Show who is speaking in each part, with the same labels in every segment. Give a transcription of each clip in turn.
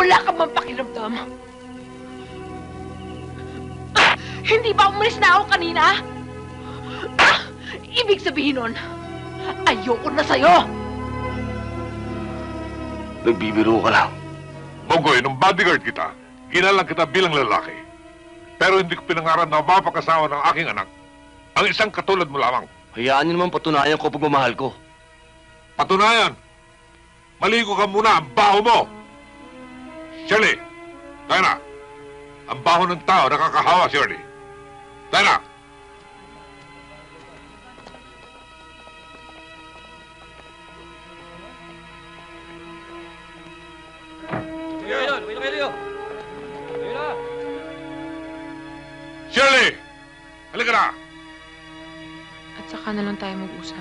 Speaker 1: Wala ka bang pakiramdam? Hindi ba umalis na ako kanina? Ibig sabihin nun, ayoko na sa'yo!
Speaker 2: Nagbibiro ka lang.
Speaker 3: Bogoy, nung bodyguard kita, ginalang kita bilang lalaki. Pero hindi ko pinangarap na mapakasawa ng aking anak. Ang isang katulad mo lamang.
Speaker 2: Hayaan niyo naman patunayan ko pagmamahal ko.
Speaker 3: Patunayan, maligo ka muna ang baho mo. Shirley, tayo na. Ang baho ng tao nakakahawa, Shirley. Tayo na. Shirley! Halika na!
Speaker 1: At saka na lang tayo mag-usap.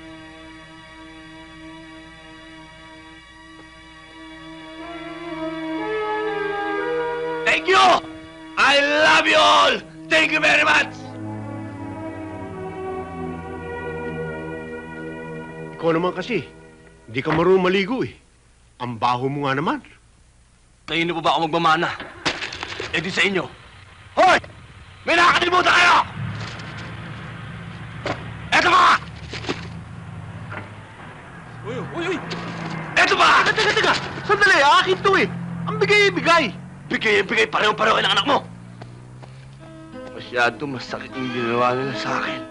Speaker 2: Thank you! I love you all! Thank you very much!
Speaker 4: Ikaw naman kasi, hindi ka marunong maligo eh. Ang baho mo nga naman.
Speaker 2: Kayo na po ba ako magmamana? Eh di sa inyo. Hoy! May nakakalimutan kayo! Eto ba? Uy! Eto ba?
Speaker 4: Teka! Sandali, akin to eh. Ang bigay-bigay.
Speaker 2: Bigay, pareho-pareho kayo ng anak mo. Masyado masakit yung ginawa nila sa akin.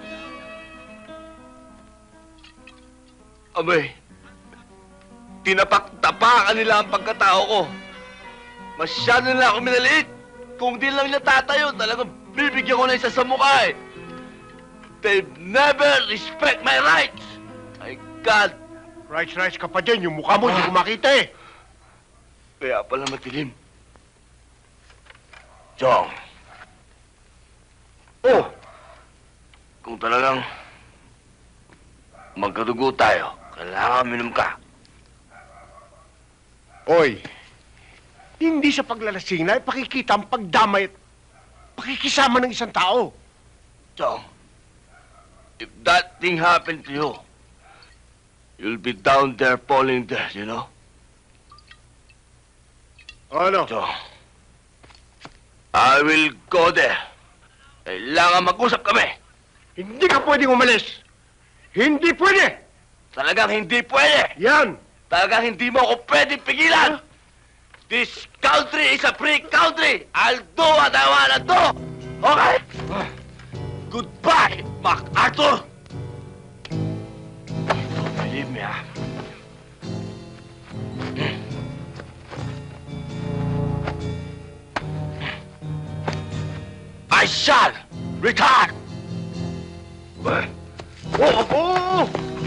Speaker 2: Abay, tinapak-tapakan nila ang pagkatao ko. Masyado nila ako minaliit. Kung di lang nila tatayo, talagang bibigyan ko na isa sa mukha eh. They never respect my rights. My God.
Speaker 4: Rice ka pa dyan. Yung mukha mo, hindi ko makita eh.
Speaker 2: Kaya pala matilim. Chong. Oh! Kung talagang magkadugo tayo, kailangan minum ka.
Speaker 4: Oy, hindi sa paglalasing na ipakikita ang pagdamay at pakikisama ng isang tao.
Speaker 2: Chong, if that thing happened to you, you'll be down there falling dead, you know?
Speaker 4: Ano?
Speaker 2: Chong, I will go there. Kailangan mag-usap kami.
Speaker 4: Hindi ka pwedeng umalis. Hindi pwede.
Speaker 2: Talagang hindi pwede.
Speaker 4: Yan.
Speaker 2: Talagang hindi mo ako pwedeng pigilan. This country is a free country. I'll do what I wanna do. Okay? Goodbye, MacArthur. Don't believe me, ah. I shall return.
Speaker 4: Oh!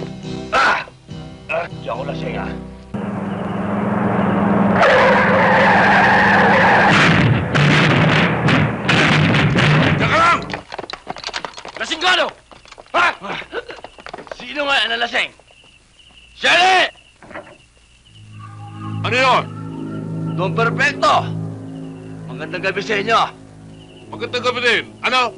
Speaker 2: Di ako lasing, ah.
Speaker 3: Teka lang!
Speaker 2: Lasing ka, no? Ha? Sino nga ang nalasing? Shirley!
Speaker 3: Ano yun?
Speaker 2: Don Perfecto! Magandang gabi sa inyo.
Speaker 3: Magandang gabi din. Ano?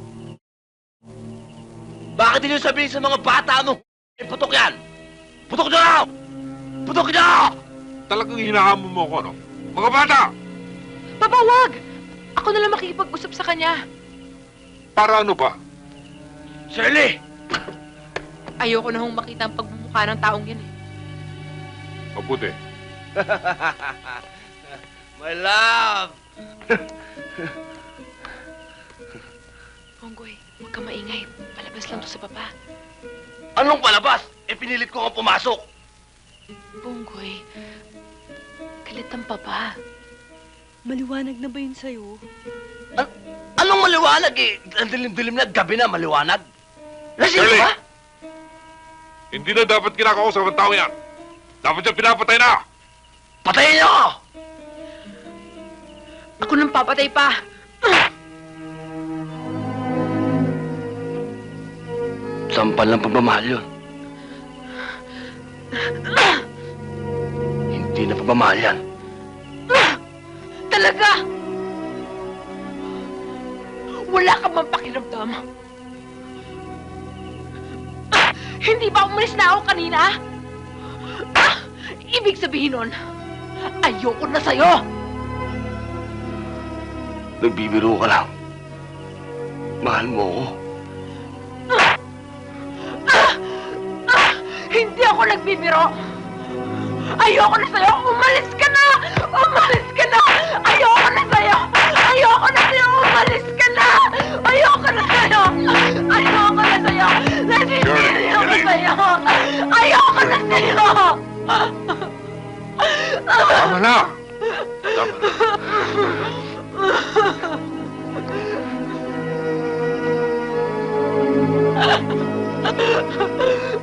Speaker 2: Bakit hindi nyo sabihin sa mga bata ano? Putok yan! Putok nyo na! Putok nyo!
Speaker 3: Talagang hinahamon mo ako, no? Mga bata!
Speaker 1: Papa, wag! Ako na lang makikipag-usap sa kanya.
Speaker 3: Para ano ba?
Speaker 2: Shirley!
Speaker 1: Ayoko na hong makita ang pagmumukha ng taong yan eh.
Speaker 3: Mabuti.
Speaker 2: My love!
Speaker 1: Ponggoy, huwag ka maingay. Palabas lang to sa papa.
Speaker 2: Anong palabas? Eh, pinilit ko nga pumasok.
Speaker 1: Ponggoy, galit ang papa.
Speaker 5: Maliwanag na ba yun sa'yo?
Speaker 2: Anong maliwanag eh? Ang dilim-dilim na, gabi na, maliwanag. Lasing
Speaker 3: Shirley!
Speaker 2: ka ba?
Speaker 3: Hindi na dapat kinakausap ang tao yan. Dapat siya pinapatay na.
Speaker 2: Patayin niyo ako!
Speaker 1: Ako nang papatay pa.
Speaker 2: Sampal ng pagmamahal yun. Hindi na pagmamahal yan.
Speaker 1: Talaga! Wala ka bang pakiramdam? Hindi ba umalis na ako kanina? Ibig sabihin nun, ayoko na sa'yo!
Speaker 2: Nagbibiro ka lang. Mahal mo ako.
Speaker 1: Hindi ako nagbibiro! Ayoko na sa'yo! Umalis ka na! Umalis ka na! Ayoko na sa'yo! Ayoko na sa'yo! Umalis ka na! Ayoko na sa'yo! Ayoko na sa'yo! Nasisiri ako sa'yo! Ayoko na sa'yo!
Speaker 3: Tama na! Tama na.